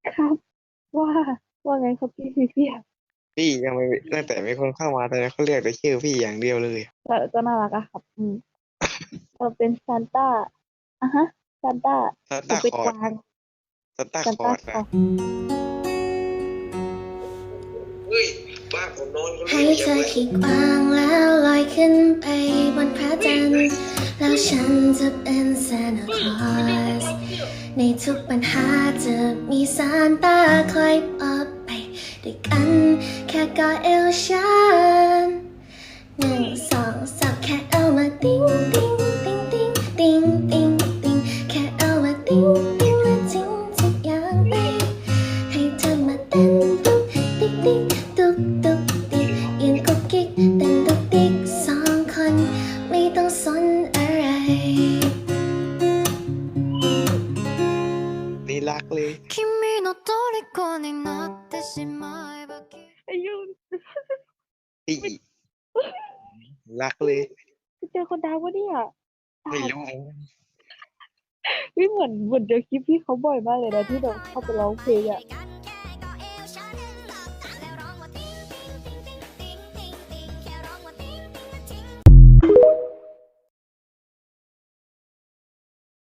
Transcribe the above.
ครับว่าว่าไงครับพี่พี่ยังไม่ตั้งแต่มีคนเข้ามาตอนนี้เขาเรียกแต่ชื่อพี่อย่างเดียวเลยก็น่ารักอะครับเราเป็นซานต้าอ่ะฮะซานต้าซันผมเป็นต้าคอร์ดกวางซันต้าซานต้าคอร์ดนะคลอเฮ้ยบ้านผมนอนคนเดีให้ยวอเธย่าอไปคิดวางแล้วลอยขึ้นไปบนพระจันทร์แล้วฉันจะเป็นซานตาคลอสในทุกปัญหาจะมีซานต้าคอยปลอบไปด้วยกันแค่กอดเอวฉัน1 2 3แค่เอามาติ้งติ้งติ้งติ้งติ้งติ้งติ้งแค่เอามาติ้งติ้งและทิ้งทุกอย่างไปให้เธอมาเต้นตุ๊กติ๊กติ๊กตุ๊กตุ๊กติ๊กยืนกุ๊กกิ๊กเต้นตุ๊กติ๊ก2 คนไม่ต้องสนอะไรนี่รักเลย君の虜になってしまえばอายุพี่ไม่รักเลยไปเจอคนดังวะเนี่ยอ่าไม่รู้พี่เหมือนเจอคลิปพี่เขาบ่อยมากเลยนะที่แบบเข้าไปร้องเพลงอะ